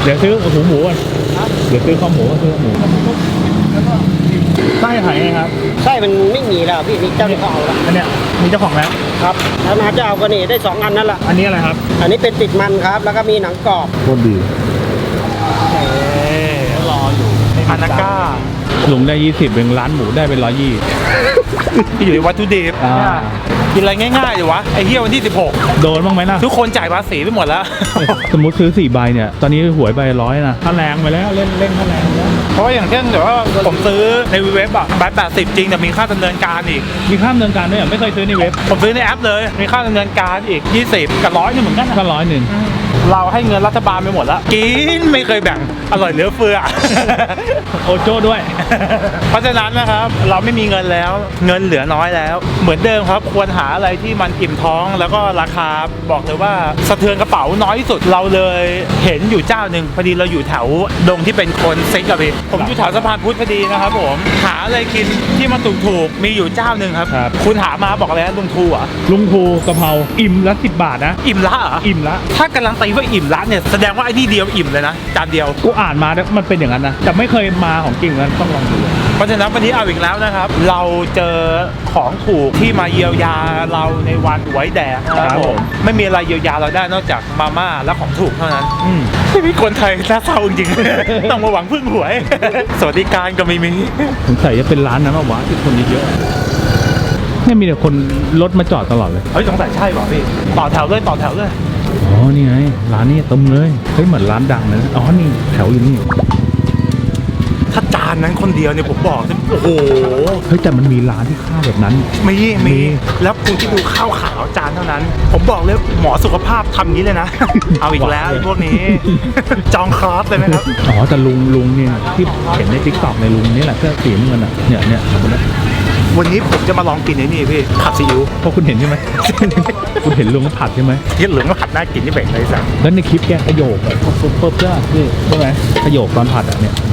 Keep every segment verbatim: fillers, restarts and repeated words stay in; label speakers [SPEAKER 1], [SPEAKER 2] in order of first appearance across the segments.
[SPEAKER 1] เดี๋ยวซื้อหูหมูก่อนเดี๋ยวซื้อข้าวหมูก็ซื้อหมูไส้หายไงครับ
[SPEAKER 2] ไส้มันไม่มีแล้วพี่นี่เจ้าที่เขาเอาแล้ว
[SPEAKER 1] อันเนี้ยมีเจ้าของแล้ว
[SPEAKER 2] ครับถ้ามาจะเอาก็นี่ได้สองอันนั่นแหละ
[SPEAKER 1] อันนี้อะไรครับ
[SPEAKER 2] อันนี้เป็นติดมันครับแล้วก็มีหนังกรอบ
[SPEAKER 1] โคตรดี
[SPEAKER 3] เอ๊รออยู่อานาก้า
[SPEAKER 1] ลุงได้ยี่สิบเป็นร้านหมูได้เป็นร้อยยี่
[SPEAKER 3] อยู่ในวัตถุดิบกินอะไรง่ายๆเลยวะไอ้เหี้ยวันที่สิบหก
[SPEAKER 1] โดนบ้างไหมนะ
[SPEAKER 3] ทุกคนจ่ายภาษีไปหมดแล้ว
[SPEAKER 1] สมมติซื้อสี่ใบเนี่ยตอนนี้หวยใบร้อยนะถ้าแรงไปแล้วเล่นเล่นถ้าแรงแล้ว
[SPEAKER 3] เพราะว่าอย่างเช่นเดี๋ยวว่าผมซื้อในเว็บอะใบแปดสิบจริงแต่มีค่าดำเนินการอีก
[SPEAKER 1] มีค่าดำเนินการด้วยไม่เคยซื้อในเว็บ
[SPEAKER 3] ผมซื้อในแอปเลยมีค่าดำเนินการอีกยี่สิบกับร้อยนึงเหมือนกัน
[SPEAKER 1] ก็ร้อยหนึ่ง
[SPEAKER 3] เราให้เงินรัฐบาลไปหมดแล้วกินไม่เคยแบ่งอร่อยเหลือเฟือ
[SPEAKER 1] โอโจ้ด้วย
[SPEAKER 3] เพราะฉะนั้นนะครับเราไม่มีเงินแล้วเงินเหลือน้อยแล้วเหมือนเดิมครับควรหาอะไรที่มันอิ่มท้องแล้วก็ราคาบอกเลยว่าสะเทือนกระเป๋าน้อยที่สุดเราเลยเห็นอยู่เจ้าหนึ่งพอดีเราอยู่แถวดงที่เป็นคนเซ็กกับพี่ผมอยู่แถวสะพานพุทธพอดีนะครับผมหาอะไรกินที่มันถูกๆมีอยู่เจ้าหนึ่งครับคุณหามาบอกอะไรนะลุงทูอ่ะ
[SPEAKER 1] ลุงทูกะเพราอิ่มละสิบบาทนะ
[SPEAKER 3] อิ่มละเหรอ
[SPEAKER 1] อิ่มละ
[SPEAKER 3] ถ้าการันตีว่าอิ่มละเนี่ยแสดงว่าไอ้นี่เดียวอิ่มเลยนะจานเดียว
[SPEAKER 1] กูอ่านมาแล้วมันเป็นอย่างนั้นนะแต่ไม่เคยมาของจริงนั้นต้องลองดู
[SPEAKER 3] เพราะฉะนั้นวันนี้เอาอีกแล้วนะครับเราเจอของถูกที่มาเยียวยาเราในวันหวยแดงนะครับผมไม่มีอะไรเยียวยาเราได้นอกจากมาม่าและของถูกเท่านั้นไม่มีคนไทยน่าเศร้าจริงๆต้องมาหวังพึ่งหวยสวัสดิการก็ไม่มี
[SPEAKER 1] สงสัยจะเป็นร้านนั้นวะที่คนเยอะๆเนี่ยมีแต่คนรถมาจอดตลอดเลย
[SPEAKER 3] เฮ้ยสงสัยใช่ป่ะพี่ต่อแถวเลยต่อแถวเลย
[SPEAKER 1] อ๋อนี่ไงร้านนี้เต็มเลยเฮ้ยเหมือนร้านดังเลยอ๋อนี่แถวอยู่นี่
[SPEAKER 3] ถ้าจานนั้นคนเดียวเนี่ยผมบอกโอ้โห
[SPEAKER 1] เฮ้ยแต่มันมีร้านที่ข้าวแบบนั้น
[SPEAKER 3] มีมีแล้วคุณที่ดูข้าวขาวจานเท่านั้นผมบอกเลยหมอสุขภาพทำนี้เลยนะเอาอีกแล้วพวกนี้จองคลาสเลยไหมครับ
[SPEAKER 1] อ๋อแต่ลุงลุงเนี่ยที่เห็นในทิกตอกในลุงนี่แหละเสื้อสีน้ำเงินอ่ะเนี่ยเนี่ย
[SPEAKER 3] วันนี้ผมจะมาลองกินไอ้นี่พี่ผัดซีอิ๊ว
[SPEAKER 1] เพราะคุณเห็นใช่ไหมคุณเห็นลุงก็ผัดใช่ไหม
[SPEAKER 3] ยี่เหลืองก็ผัดน่ากินที่แบ่งเลยสั่ง
[SPEAKER 1] แล้วในคลิปแกขยโยกแบบปุ๊บปุ๊บเจ้าคือใช่ไหมขยโยกตอนผัดอ่ะเนี่ย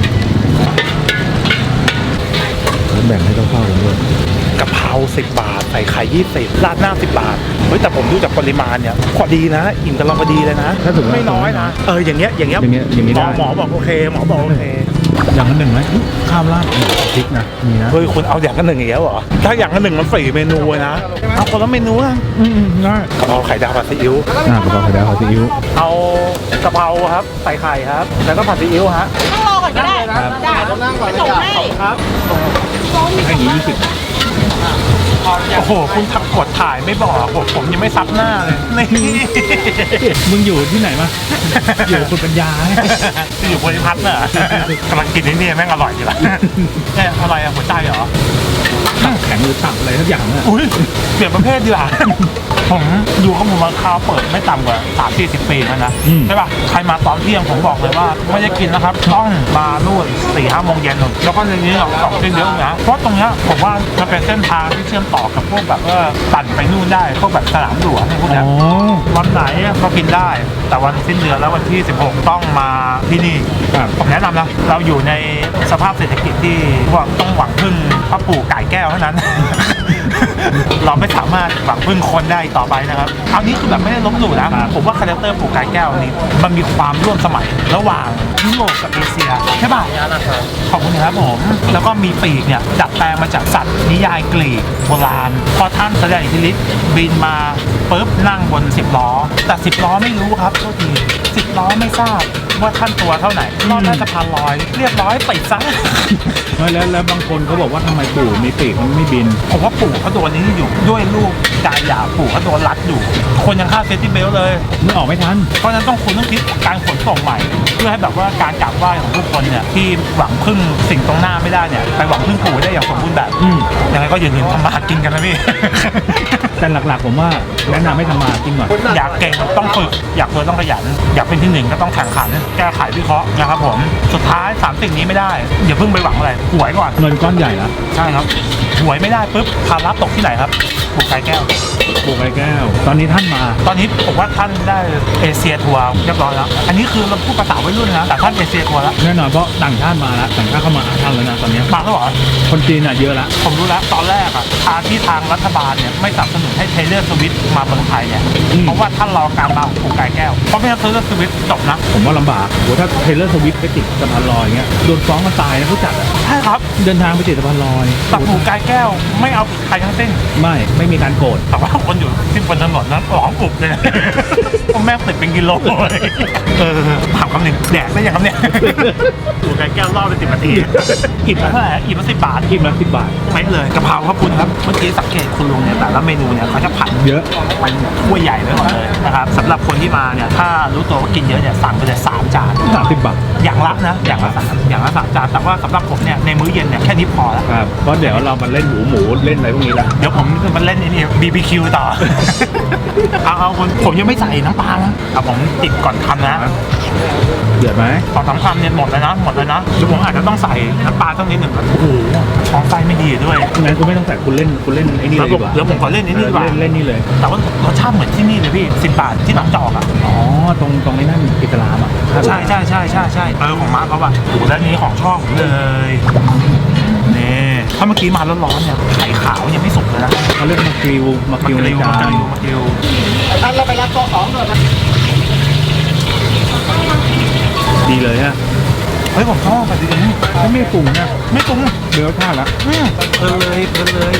[SPEAKER 1] แบ่งให้เข้าๆกันด้วย
[SPEAKER 3] กะเพราสิบบาทใส่ไข่ยี่สิบราดหน้าสิบบาทเฮ้ยแต่ผมดูจากปริมาณเนี่ยพอดีนะอิ่มกำลังพอดีเลยนะ
[SPEAKER 1] ถ้าถึง
[SPEAKER 3] ไม่น้อยนะเอออย่างเงี้ยอย่างเงี้ย
[SPEAKER 1] อย่างเงี้ยอย่างเงี้ยได้
[SPEAKER 3] หมอบอกโอเคหมอบอกโอเค
[SPEAKER 1] อย่างละหนึ่งไหมข้าวราดพริกนะมีนะ
[SPEAKER 3] เฮ้ยคุณเอาอย่างละหนึ่งอย่างเงี้ยเหรอถ้าอย่างละหนึ่งมันฟรีเมนูนะเอาคนละเมนูอ่ะ
[SPEAKER 1] อืมง่าย
[SPEAKER 3] กะเพราไข่ดาวผัดซีอิ๊ว
[SPEAKER 1] อ่ากะเพราไข่ดาวผัดซีอิ๊ว
[SPEAKER 3] เอากะเพราครับใส่ไข่ครับแล้วก็ผัดซีอิ๊วฮะ
[SPEAKER 4] นั่งรอก่อนก็ได้ได้
[SPEAKER 2] นั่งก่อน
[SPEAKER 4] ส่งให้
[SPEAKER 3] ครับ
[SPEAKER 1] ให้ยี่สิบ
[SPEAKER 3] โอ้โหคุณทักกดถ่ายไม่บอกผมผมยังไม่ซับหน้าเลยนี่
[SPEAKER 1] มึงอยู่ที่ไหนมาอยู่คุณปัญญา
[SPEAKER 3] อยู่บริพัตรน่ะกำลังกินนี่แม่งอร่อยอยู่ละเนี่ยอะไรอะหัวใจเหรอ
[SPEAKER 1] แข็งหรือต่ำอะไรทุกอย่างอ่ะ
[SPEAKER 3] อุ้ยเปลี่ยนประเภทดีกว่าผมอยู่กับผมมาคาวเปิดไม่ต่ำกว่าสามสี่สิบปีแล้วนะใช่ป่ะใครมาตอนเที่ยงผมบอกเลยว่าไม่ได้กินนะครับต้องมานู่นสี่ห้าโมงเย็นแล้วก็ในนี้เราสองเส้นเยอะนะเพราะตรงนี้ผมว่ามันเป็นเส้นทางที่เชื่อมต่อกับพวกแบบว่าปั่นไปนู่นได้พวกแบบสนามหลวงพวกนี้วันไหนก็กินได้แต่วันสิ้นเดือนแล้ววันที่สิบหกต้องมาที่นี่ผมแนะนำนะเราอยู่ในสภาพเศรษฐกิจที่ว่าต้องหวังพึ่งพ่อปู่ไก่แก้วเท่านั้นเราไม่สามารถหวังพึ่งคนได้ต่อไปนะครับเอานี้คือแบบไม่ได้ล้มหลู่นะผมว่าคาแรคเตอร์ปู่ไก่แก้วนี้มันมีความร่วมสมัยระหว่างยุโรปกับเอเชียใช่ป่ะขอบคุณครับผมแล้วก็มีปีกเนี่ยดัดแปลงมาจากสัตว์นิยายกรีกโบราณพอท่านแสดงอิทธิฤทธิ์บินมาปุ๊บนั่งบนสิบล้อแต่สิบล้อไม่รู้ครับโทษทีสิบล้อไม่ทราบว่าท่านตัวเท่าไหร่รอดน่าจะพันลอยเรียบร้อยติดซะ
[SPEAKER 1] แล้วแล้วบางคนเขาบอกว่าทำไมปู่มีปีกมันไม่บิน
[SPEAKER 3] ผมว่าปู่เขาโดนนี้อยู่ด้วยลูกการหย่าปู่เขาโดนรัดอยู่คนยังฆ่าเซฟตี้เบลเลย
[SPEAKER 1] ไม่ออกไม่ทัน
[SPEAKER 3] เพราะฉะนั้นต้องคุณต้องคิดการขนส่งใหม่เพื่อให้แบบว่าการกราบไหว้ของทุกคนเนี่ยที่หวังพึ่งสิ่งตรงหน้าไม่ได้เนี่ยไปหวังพึ่งปู่ได้อย่างสมบูรณ์แบบยังไงก็อย่าลืมทำมาหากินกันนะพี่
[SPEAKER 1] แต่หลักๆผมว่าแนะนำให้ทำมาหากินก่อน
[SPEAKER 3] อยากเก่งต้องฝึกอยากรวยต้องขยันอยากเป็นที่หนึ่งก็ต้องแข่งขันแก้ไขวิเคราะห์นะครับผมสุดท้ายสามสิ่งนี้ไม่ได้อย่าเพิ่งไปหวังอะไรหวยก่อน
[SPEAKER 1] เงินก้อนใหญ่นะ
[SPEAKER 3] ใช่ครับหวยไม่ได้ปุ๊บภาระตกที่ไหนครับปู่ไก่แก้ว
[SPEAKER 1] ปูไก่แก้ว ตอนนี้ท่านมา
[SPEAKER 3] ตอนนี้ผมว่าท่านได้เอเชียทัวร์เรียบร้อยแล้วอันนี้คือเราพูดภาษาวัยรุ่นนะแต่ท่านเอเชียทัวร์แล้ว
[SPEAKER 1] แน่นอนเพราะต่างชาติมาแล้วต่างชาติเข้ามาหาท่านแล้วนะตอนนี้
[SPEAKER 3] มาแล้วเหรอ
[SPEAKER 1] คนจีนอ่ะเยอะละ
[SPEAKER 3] ผมรู้แล้วตอนแรกอะทางที่ทางรัฐบาลเนี่ยไม่สนับสนุนให้เทเลอร์สวิตมาเมืองไทยเนี่ยเพราะว่าท่านรอการมาของปูไก่แก้วเพราะไม่งั้นเทเลอร์สวิตจบนะ
[SPEAKER 1] ผมว่าลำบากโหถ้าเทเลอร์สวิฟต์ไปติดสะพานลอยอย่างเงี้ยโดนฟ้องกันตายนะผู้จัดอะ
[SPEAKER 3] ใช่ครับ
[SPEAKER 1] เดินทางไปติดสะพานลอย
[SPEAKER 3] แต่ปูไก่แก้วไม่เอาผิดใครทั้งสิ้น
[SPEAKER 1] ไม่ไม่มีการโกรธ
[SPEAKER 3] แต่ว่าคนอยู่ที่บนถนนนั้นหลองกรุบเลย พวกแม่ติดเป็นกิโลเลยเออถามคำหนึ่งแดกได้ยังครับเนี่ยปูไก่แก้วรอบไปสิบนาทีอิ่มละเท่าไหร่อิ่มละสิบบาท
[SPEAKER 1] อิ่มละสิบบาท
[SPEAKER 3] ไม่เลยกะเพราครับคุณครับเมื่อกี้สังเกตคุณลุงเนี่ยแต่ละเมนูเนี่ยเขาจะผัด
[SPEAKER 1] เยอะ
[SPEAKER 3] เป็นถ้วยใหญ่ไว้ก่อนเลยนะครับสำหรับคนที่มาเนี่ยถ้ารู้ตัวว่ากินเยอะเนี่ยสั่งไปเลยสามจาน
[SPEAKER 1] สามสิบบาท
[SPEAKER 3] อย่างละนะอย่างละสามอย่างละสามจานแต่ว่าสำหรับผมเนี่ยในมื้อเย็นเนี่ยแค่นี้พอแล้ว
[SPEAKER 1] ครับเพราะเดี๋ยวเรามาเล่นหมูหมูเล่นอะไรพวกนี้ละ
[SPEAKER 3] เดี๋ยวผมมันเล่นไอ้นี่ บี บี คิว ต่อ เอาเอาคนผมยังไม่ใส่น้ำปลานะเอาผมติดก่อนคำนะ
[SPEAKER 1] เดือดไหม
[SPEAKER 3] สองสามคำเนี่ยหมดเลยนะหมดเลยนะหรือผมอาจจะต้องใส่น้ำปลาสักนิดหนึ่งโอ้โหท้องไส้ไม่ดีด้วย
[SPEAKER 1] งั้นคุณไม่ต้องใส่คุณเล่นคุณเล่นไอ้นี่เลยดีกว่า
[SPEAKER 3] เดี๋ยวผมขอเล่นไอ้นี่ดีกว่า
[SPEAKER 1] เล่นเล่นนี่เลย
[SPEAKER 3] แต่ว่ารสชาติเหมือนที่นี่เลยพี่สิบบาทที่หนองจอกอ่ะ
[SPEAKER 1] อ๋อตรงตรงไอ้นั่นอิสลามอ่ะ
[SPEAKER 3] ใช่ใช่ใช่ใช่ใช่เออของมาร์คเขาว่ะโอ้โหแล้วนี้ของช่องเลยนี่ถ้าเมื่อกี้มาร้อนๆเนี่ยไข่ขาวยังไม่สุกเลยนะ
[SPEAKER 1] เขาเรียกมากิวมา
[SPEAKER 3] มา
[SPEAKER 1] กิวใน
[SPEAKER 3] กิว
[SPEAKER 1] จา
[SPEAKER 3] มาน กิวมากิว
[SPEAKER 2] ท่านเราไปรับโต๊ะสองเลยนะ
[SPEAKER 1] ดีเลยฮะ
[SPEAKER 3] เฮ้ยผมชอบแบบนี้
[SPEAKER 1] ถ้าไม่ปรุงนะ
[SPEAKER 3] ไม่ปรุง
[SPEAKER 1] เดี๋ยวท่าละ
[SPEAKER 3] อืมเพลินเลยเพลินเลย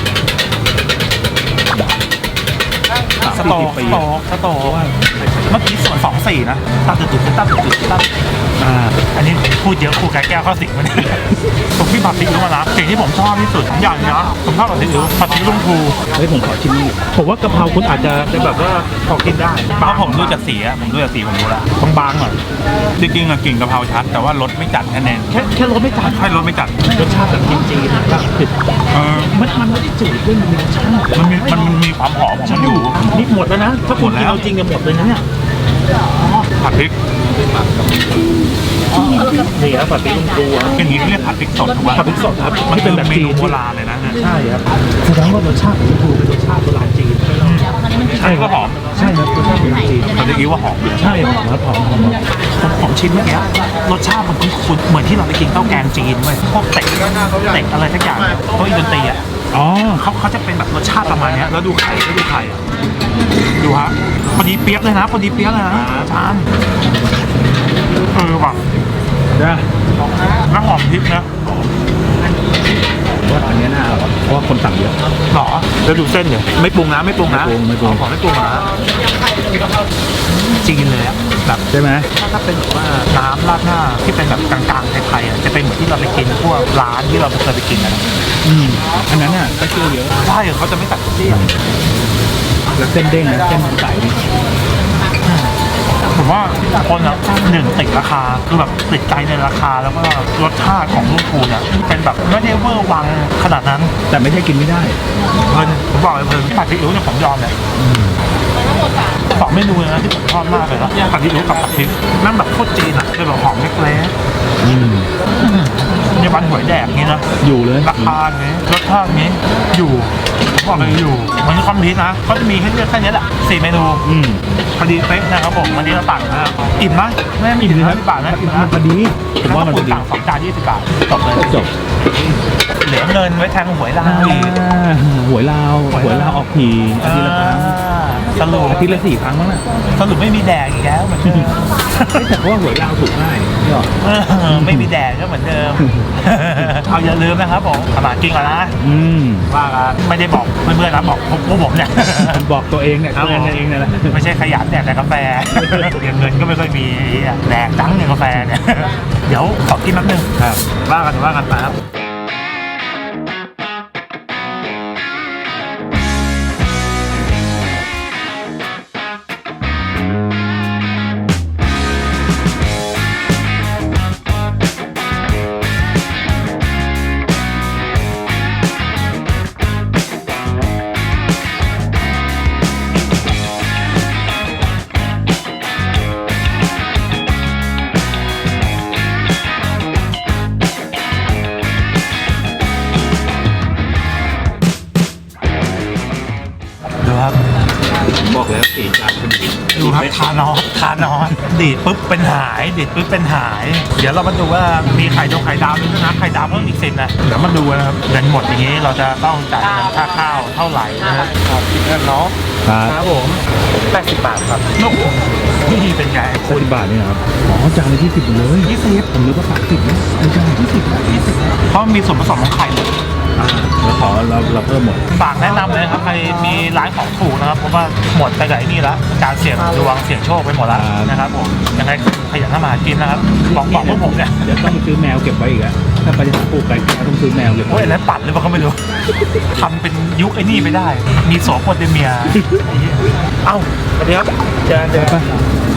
[SPEAKER 3] สโตกสโตกสโตกว่าเมื่อกี้ส่วนสองสี่นะตาจุดจุดตาจุดจุดตา
[SPEAKER 1] อ่า
[SPEAKER 3] อันนี้พูดเยอะครูไก่แก้วเข้าสิงมันผมที่ผัดซีอิ๊วมานะสิ่งที่ผมชอบที่สุดอย่างนี้นะผมชอบผัดซีอิ๊วผัดซีอิ๊วลุงภู
[SPEAKER 1] เฮ้ยผมขอชิมนี่ผมว่ากะเพราคุณอาจจะจะแบบว่าพอกินได้
[SPEAKER 3] เพราะผมดูจากสีอะผมดูจากสีผมรู้แล้วต้องบางหน่อยจริงๆอะกลิ่นกะเพราชัดแต่ว่ารสไม่จัดแค่นั้น
[SPEAKER 1] แค่แค่รสไม่จัด
[SPEAKER 3] ใช่รสไม่จัด
[SPEAKER 1] รสชาติแบบจีนๆนะครับติด
[SPEAKER 3] เออ
[SPEAKER 1] มันมันไม่ได้จืดด้วยมันมีรสชาติ
[SPEAKER 3] มันมีมันมันมีความหอมของมันอยู่
[SPEAKER 1] นี่หมดแล้วนะถ้าคุณกินเอาจริงจะหมดเลยนะเนี่ย
[SPEAKER 3] ผัดพริก
[SPEAKER 1] นี่ครับผัดพริกลุงครูครับ
[SPEAKER 3] อย่างนี้เรียกผัดพริกสดถูกไหม
[SPEAKER 1] ผัดพริกสดครับ
[SPEAKER 3] มัน
[SPEAKER 1] ที่
[SPEAKER 3] เป็
[SPEAKER 1] เป็น น
[SPEAKER 3] แบ
[SPEAKER 1] แบบ บ
[SPEAKER 3] เม
[SPEAKER 1] จี
[SPEAKER 3] นู
[SPEAKER 1] น
[SPEAKER 3] โบราณเลยนะเนี่ย
[SPEAKER 1] ใช่ครับแสดงว่ารสชาติลุงครูเป็นรสชาติโบราณจีน
[SPEAKER 3] ใช่ก็หอม
[SPEAKER 1] ใช่ครับรสชาติโบราณจีน
[SPEAKER 3] ผัดซีอิ๊วว่าหอมเลย
[SPEAKER 1] ใช่หอมครับหอมหอม
[SPEAKER 3] ผมผมชิมเมื่อกี้รสชาติมันคุ้นๆเหมือนที่เราไปกินข้าวแกงจีนเว้ยพวกเต็กเต็กอะไรสักอย่างพวกอินโดนีเซีย
[SPEAKER 1] อ๋อ
[SPEAKER 3] เขาเขาจะเป็นแบบรสชาติประมาณเนี้ยแล้วดูไข่แล้วดูไข่อะดูฮะพอดีเปี๊ยกเลยนะพอดีเปี๊ยกเลยนะอาจารย์เออว่ะ
[SPEAKER 1] นะ
[SPEAKER 3] แล้วหอมพริกนะ
[SPEAKER 1] ว่าอันนี้น่าเพราะว่าคนสั่งเยอะ
[SPEAKER 3] หรอแล้วดูเส้นเนี่ยไม่ปรุงนะไม่ปรุงนะ
[SPEAKER 1] ไม่ปรุงไม่ปรุง
[SPEAKER 3] ขอไม่ปรุงนะจีนเลยอะแบบ
[SPEAKER 1] ใช่ไหม
[SPEAKER 3] ถ้าเป็นแบบว่าน้ำราดหน้าที่เป็นแบบกลางๆไทยๆอะจะเป็นเหมือนที่เราไปกินพวกร้านที่เราเคยไปกินนะ
[SPEAKER 1] อืมอันนั้นน่ะก็เชื่อเยอะ
[SPEAKER 3] ใช่เขาจะไม่ตัดเสี้ยน
[SPEAKER 1] แล้วเส้นเด้งนะเส้นใสนี่
[SPEAKER 3] ผมว่าคนอ่ะหนึ่งติดราคาคือแบบติดใจในราคาแล้วก็รสชาติของลูกคูเนี่ยเป็นแบบไม่ได้เวอร์วังขนาดนั้น
[SPEAKER 1] แต่ไม่ใช่กินไม่ได้
[SPEAKER 3] เพลินผมบอกเลยเพลินผัดซีอิ๊วเนี่ยผมยอมเลยสองเมนูเลยนะที่ผมชอบมากเลยนะผัดซีอิ๊วกับผัดพริกนั่งแบบโคตรจีนอ่ะเป็นแบบหอมเล็ก
[SPEAKER 1] อืม
[SPEAKER 3] ๆในวันหวยแดกนี่นะ
[SPEAKER 1] อยู่เลย
[SPEAKER 3] ราคาเนี้ยรสชาตินี้อยู่ผมบอกเลยอยู่มันคือคอมพิวนะเขาจะมีให้เลือกแค่นี้แหละสี่เมนู
[SPEAKER 1] อืม
[SPEAKER 3] พอดีเป๊ะนะครับผมวันนี้เราตักนะครับอิ่มไหมไม่ไม่อิ่มนะสิบบาทนะอิ่มนะ
[SPEAKER 1] มันพอดีผมว่ามันพอดี
[SPEAKER 3] ต่างสองจานยี่สิบบาทจบเลย
[SPEAKER 1] จบ
[SPEAKER 3] เหลือเงินไว้แทงหวยลาว
[SPEAKER 1] อ่าหวยลาวหวยลาวออกทีอาทิตย์ละครั้ง
[SPEAKER 3] สรุป
[SPEAKER 1] อาทิตย์ละสี่ครั้งมั้งน่ะ
[SPEAKER 3] สรุปไม่มีแดกอีกแล้วเหมือนเดิม
[SPEAKER 1] เฮ้ยแต่เพราะว่าหวยลาวถูกง่ายนี่หรอ
[SPEAKER 3] เออไม่มีแดกก็เหมือนเดิม เอาอย่าลืมนะครับผมขนาดจริงอะนะ
[SPEAKER 1] อืม
[SPEAKER 3] ว่ากันไม่ได้บอกเพื่อนๆนะบอกพวกผมเนี่ย
[SPEAKER 1] บอกตัวเองเนี่ย
[SPEAKER 3] ครับ
[SPEAKER 1] เตือนตัวเองเนี่ยแหละ
[SPEAKER 3] ไม่ใช่ขยันแดกแต่กาแฟเดี๋ยวเงินก็ไม่ค่อยมีแดกจังเนี่ยกาแฟเนี่ย เดี๋ยวขอกินแป๊บนึง
[SPEAKER 1] ครับ
[SPEAKER 3] ว่ากันว่ากันไปครับดูครับทานอสทานอสดีดปุ๊บเป็นหายดีดปุ๊บเป็นหาย เดี๋ยวเรามาดูว่ามีไข่ดงไข่ดาวด้วยนะไข่ดาวเพิ่มอีกสิบนะเดี๋ยวมาดูนะครับเงินหมดอย่างนี้เราจะต้องจ่ายเงินค่าข้าวเท่าไหร่นะฮะเงินเนาะ
[SPEAKER 1] ครับ
[SPEAKER 3] ครับผมแปดสิบบาทครับลูกนี่เป็นไง
[SPEAKER 1] สิบบาทนี่ครับอ๋อจานละยี่สิบเลย
[SPEAKER 3] ยี่สิบ
[SPEAKER 1] ผมนึกว่าสามสิบนะไม่ใช่ยี่สิบนะยี่สิบ
[SPEAKER 3] เพราะมันมีส่วนผสมของไข่เลย
[SPEAKER 1] อ่าแล้วขอเราเราเพิ่มหมด
[SPEAKER 3] ฝากแนะนำเลยครับใครมีร้านของถูกนะครับเพราะว่าหมดไปกับไอ้นี่แล้วการเสี่ยงดวงเสี่ยงโชคไปหมดแล้วนะครับผมยังไงขยันทำมาหากินนะครับบอกบอกพวกผมเนี่ย
[SPEAKER 1] เดี๋ยวต้องซื้อแมวเก็บไว้อีกอะถ้าไปที่ปลูกไก่ต้องซื้อแมวเก็บ
[SPEAKER 3] โอ้
[SPEAKER 1] ไว้
[SPEAKER 3] ยอันนั้นปั่นหรือเปล่าก็ไม่รู้ทำเป็นยุคไอ้นี่ไม่ได้ มีโสโปเตเมียไอ้เหี้ยเอ้าสวัสดีครับเจอเจอ
[SPEAKER 1] ไป